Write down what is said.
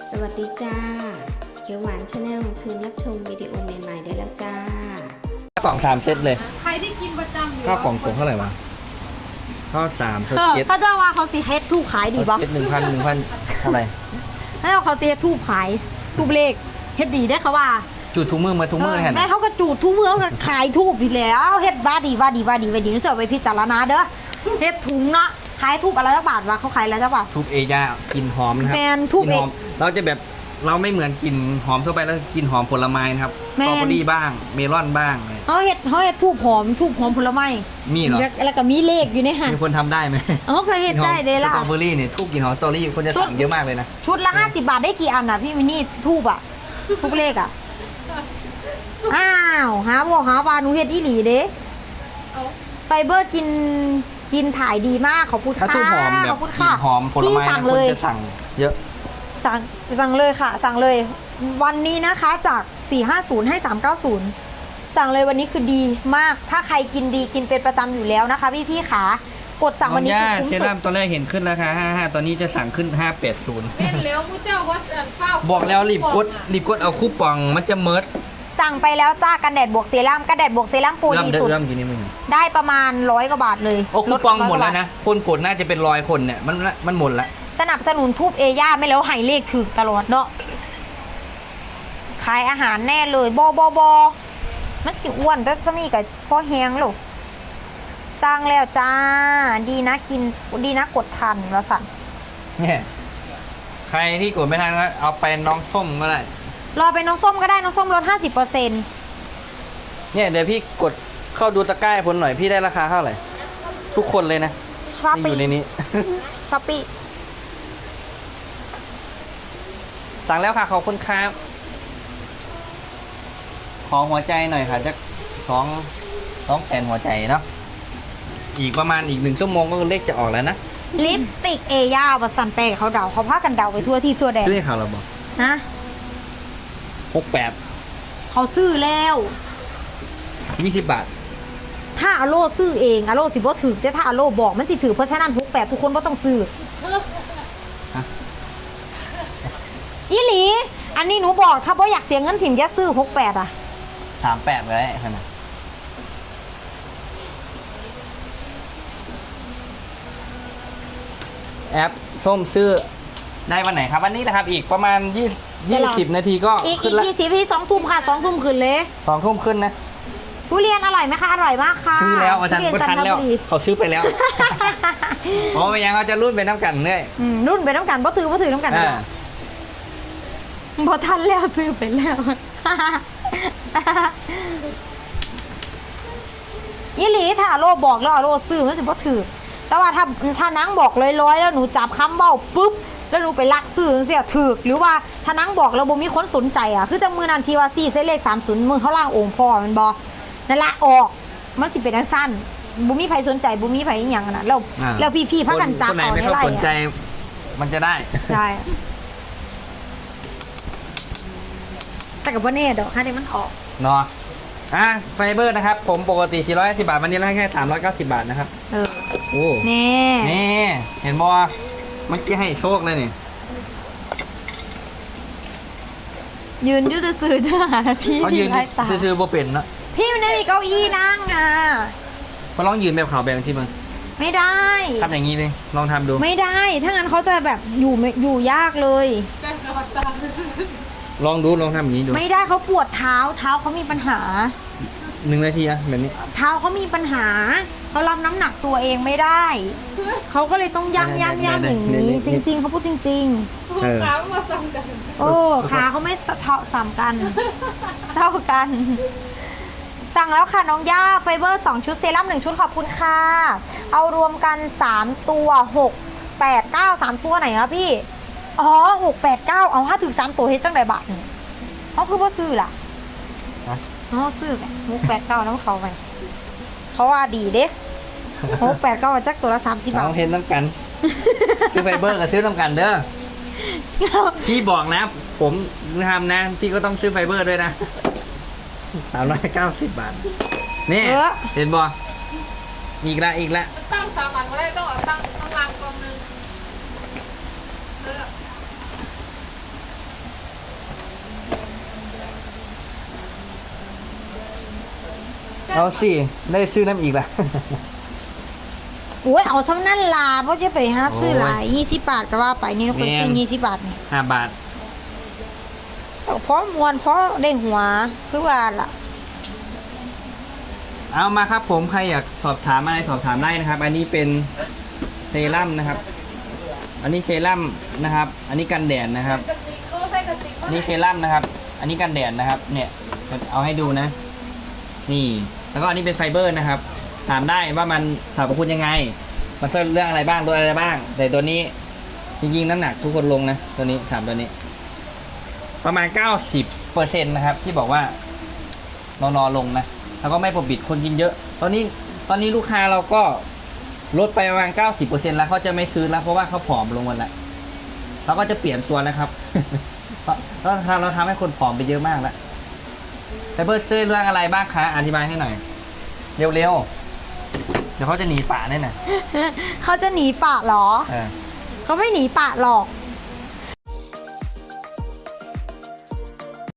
สวัสดีจ้าเขียวหวานชาแนลเชิญรับชมวิดีโอใหม่ๆได้แล้วจ้ากล่อง3 เซตเลยใครที่กินประจำอยู่ข้าวกล่องเท่าไหร่วะข้าว3เซตเขาจะว่าเขาสิเฮ็ดทูบขายดีป่ะเซต1,000เท่าไหร่แล้วเขาสิเฮ็ดทูบขายทูบเลขเฮ็ดดีได้เขาว่าจุดทุกมือมาทุกมือแห่งแม่เขาก็จูดทุกเมืองก็ขายทูบอีกแล้วเฮ็ดว่าดีนี่เสิร์ฟไปพิจารณาเด้อเฮ็ดถุงเนาะขายทูบอะไรจักบาทวะเขาขายอะไรจักบาททุบเอย่ากลิ่นหอมนะครับแมนทุบกลิ่นหอมเราจะแบบเราไม่เหมือนกลิ่นหอมทั่วไปแล้วกลิ่นหอมผลไม้นะครับสแมนตรอเบอรี่บ้างเมลอนบ้างเขาเฮ็ดทูบหอมผลไม้มีเหรอแล้วก็มีเลขอยู่ในหันมีคนทำได้ไหมเขาเคยเฮ็ดได้เลยล่ะสตรอเบอรี่เนี่ยทุบกลิ่นหอมสตรอเบอรี่คนจะสั่งเยอะมากเลยนะชุดละ50 บาทได้กี่อันอ่ะพี่มินี่ทูบอ่ะทุกเลขอ่ะอ้าวหาบอกหาวาหนูเฮ็ดอีหลีเด้ไฟเบอร์กินถ่ายดีมากขอบคุณถ้าค่ะทุบหอมแบบขอบคุณกลิ่ค่ะนหอมผลไม้พี่สั่นะงคเลนยจะสั่งเยอะสั่งเลยค่ะ สั่งเลย วันนี้นะคะจาก 450 ให้ 390 สั่งเลยวันนี้คือดีมาก ถ้าใครกินดีกินเป็นประจำอยู่แล้วนะคะพี่ๆขากดสั่งวันนี้น้องคือคุ้มเซสุรั่ดมตอนแรกเห็นขึ้นราคา55ตอนนี้จะสั่งขึ้น580 เป็นแล้วกูเจ้าว่าเฝ้าบอกแล้วรีบกดเอาคูปองมันจะเมิร์ดสั่งไปแล้วจ้ากันแดดบวกเซรั่มกันแดดบวกเซรั่มปูเริ่มดีเด้สุอดเริ่มกี่นี่มึงได้ประมาณ100 กว่าบาทเลยโอ้คูปองหมดแล้ว 100 นะคนกดน่าจะเป็น100 คนเนี่ยมันหมดละสนับสนุนทูบเอย่าไม่แล้วให้เลขถึกตลอดเนาะขายอาหารแน่เลยบมันสิอ้วนแต่สนี่กับพ่อแฮงลูกสร้างแล้วจ้า ดีนะกินดีนะกดทันแล้วสั่นเนี่ยใครที่กดไม่ทันก็เอาไปน้องส้มก็ได้รอไปน้องส้มก็ได้น้องส้มลด 50% เนี่ยเดี๋ยวพี่กดเข้าดูตะกร้าให้ผมหน่อยพี่ได้ราคาเท่าไหร่ทุกคนเลยนะช้อปที่อปี้ยู่ในนี้ช้อปปี้สั่งแล้วค่ะขอบคุณครับขอหัวใจหน่อยค่ะจะ2แสนหัวใจเนาะอีกประมาณอีก1 ชั่วโมงก็เลขจะออกแล้วนะลิปสติกเอย่าบัสันเปเขาเดาเขาพากันเดาไปทั่วที่ทั่วแดนซื้อให้เขาเราบอกนะ 68 เขาซื้อแล้ว 20 บาทถ้าอโลซื้อเองอโลสิบ่ถือแต่ถ้าอโลบอกมันสิถือเพราะฉะนั้น68ทุกคนบ่ต้องซื้อฮะอีหลี อันนี้หนูบอกถ้าบ่อยากเสียเงินถิ่มจะซื้อ68อ่ะ 38เลยขนาดแอปส้มซื้อได้วันไหนครับวันนี้นะครับอีกประมาณ20 นาทีก็อีกขึ้นละ 20ที่2 ทุ่มค่ะ2 ทุ่มคืนเลย 2 ทุ่มขึ้นนะทุเรียนอร่อยไหมคะอร่อยมากค่ะซื้อแล้วอาจารย์ทุก็เรียนทันจันทแล้วบุรีเขาซื้อไปแล้วอ๋อไม่ยังเขาจะรุ่นไปน้ำกันเนี่ยรุ่นไปน้ำกันบ่ถือน้ำกันอ่าบ่ทันแล้วซื้อไปแล้ว อีหลีถ้าอโลบอกแล้วอโลซื้อมันสิบ่ถือแต่ว่าถ้านังบอกร้อยๆแล้วหนูจับคำเบ้าปุ๊บแล้วหนูไปลักซื้อเสียถือหรือว่าถ้านังบอกแล้วบ่มีคนสนใจอ่ะคือจะมือนันทีว่า4เส้นเลข30มือเขาล่างองค์พ่อมันบ่นั่นละออกมันสิเป็นจังซั่นบ่มีไผสนใจบ่มีไผอีหยังน่ะแล้วพี่ๆพากันจับคนไหนเอาไม่ในเข้าไร่สนใจมันจะได้ใช่แต่กับว่าแน่ดอกถ้าได้มันออกเนาะไฟเบอร์นะครับผมปกติ450 บาทวันนี้ได้แค่390 บาทนะครับเออโอ้แน่นี่เห็นบอเมื่อกี้ให้โชคเลยนี่ยืนอยืดซื้อจะหาที่เขายืนไร้ตาซื้อๆบ่เป็นนะพี่มันไม่มีเก้าอี้นั่งอ่ะมาลองยืนแบบเขาแบบที่มึงไม่ได้ทำอย่างนี้เลยลองทำดูไม่ได้ ถ้างั้นเขาจะแบบอยู่ยากเลยแต่กระบตาลองทำอย่างนี้ดูไม่ได้เขาปวดเท้าเขามีปัญหา 1 นาทีอะแบบนี้เท้าเขามีปัญหาเขารับน้ำหนักตัวเองไม่ได้เขาก็เลยต้องย่ำอย่างนี้จริงๆเขาพูดจริงเออขามาสั่งกันๆ โอ้ขาเขาไม่สามกัน เท่ากัน สั่งแล้วค่ะน้องย่าไฟเบอร์2ชุดเซรั่ม1ชุดขอบคุณค่ะ เอารวมกัน3ตัว6 8 9 3ตัวไหนครับพี่อ๋อ6 8 9เอาถ้าถึง3ตัวเฮ็ดตั้งแต่บาทนี่เขาคือว่าซื้อล่ะฮะอ๋อซื้อไง6 8 9น้ำเขาไปเขาว่าดีเด้6 8 9จักตัวละ30 บาทลองเห็นน้ำกัน ซื้อไฟเบอร์กับซื้อน้ำกันเด้อพี่บอกนะ ผมทำนะ พี่ก็ต้องซื้อไฟเบอร์ด้วยนะ390 บาทนี่เห็นบออีกละตั้งสามัญมาได้ต้องเอาตั้งข้างล่างกองนึงเอาสิได้ซื้อน้ำอีกล่ะโอ้ยเอาซ้ำนั่นล่ะเพราะจะไปหาซื้อหลาย20 บาทก็ว่าไปนี่เราคนซื้อ20 บาทนี่ 5 บาทเพราะมวนเพราะเด้งหัวคือว่าล่ะเอามาครับผมใครอยากสอบถามอะไรสอบถามได้นะครับ อันนี้เป็นเซรั่มนะครับ อันนี้เซรั่มนะครับ อันนี้กันแดดนะครับกระติกเขาใส่กระติกนี่เซรั่มนะครับ อันนี้กันแดดนะครับ เนี่ยเอาให้ดูนะ นี่ แล้วก็อันนี้เป็นไฟเบอร์นะครับ ถามได้ว่ามันสรรพคุณยังไง มันช่วยเรื่องอะไรบ้างตัวอะไรบ้าง แต่ตัวนี้จริงๆน้ำหนักทุกคนลงนะ ตัวนี้ถามตัวนี้ ประมาณ 90%นะครับ ที่บอกว่านอนลงนะ แล้วก็ไม่ปกปิดคนกินเยอะ ตอนนี้ลูกค้าเราก็ลดไปประมาณ 90% แล้วเขาจะไม่ซื้อแล้วเพราะว่าเขาผอมลงหมดแล้วเราก็จะเปลี่ยนตัวนะครับ เพราะเราทำให้คนผอมไปเยอะมากแล้วไฟเบอร์ซื้อเรื่องอะไรบ้างคะอธิบายให้หน่อย เร็วๆ เดี๋ยวเขาจะหนีป่าแน่น่ะเขาจะหนีปะเหรอเออเขาไม่หนีปะหรอก